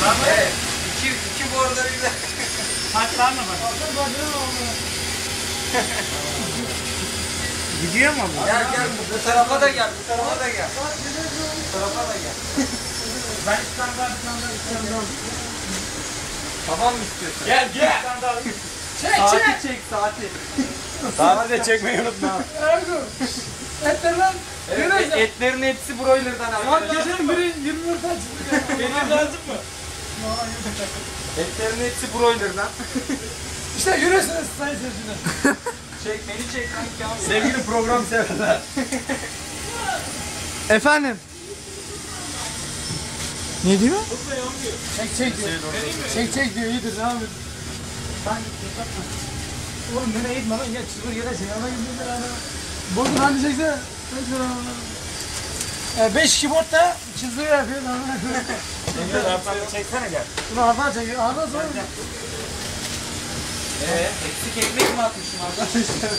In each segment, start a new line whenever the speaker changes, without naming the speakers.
Evet. İki bu arada bir de.
Hadi var mı bak? Gidiyor mu bu?
Gel bu tarafa da gel. Bu tarafa da gel. Bu tarafa da gel.
Ben İstanbul'da İstanbul'da.
Tamam mı istiyorsun?
Gel.
Saati çek saati.
Saati de çekmeyi unutma.
Ergun. Etler lan.
Evet, etlerin hepsi broiler'dan abi.
Lan gecenin biri 24 açtı.
Benim lazım mı?
Etlerin hepsi broiler'dan.
İşte yürüyorsunuz sayın seyirciler.
Çek beni çek kanka.
Sevgili program severler.
Efendim. Ne diyor? Çek diyor. Çek diyor iyidir devam et. Oğlum nereye gitme lan ya çizgur yere şey ana gidiyor beraber. Bozun hadi çeksene. 5 keyboard da çizgur yapıyor.
Çeksene gel.
Bunu Arda çekiyor. Arda sonra.
Eksik ekmek mi atmışım arkadaşlar?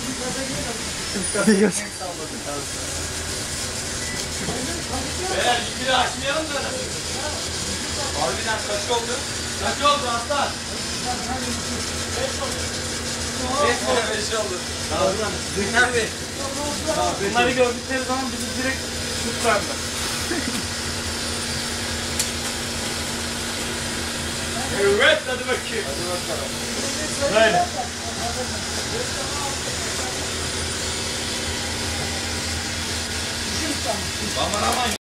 Beyler biri açmayalım da.
Harbiden kaç oldu?
Kaç oldu aslan?
5 oldu. Zühner Bey.
Bunları gördükleri zaman bizi direkt tutarlar. Evet hadi bakayım.
Hadi bakalım.
Böyle.
Aman aman.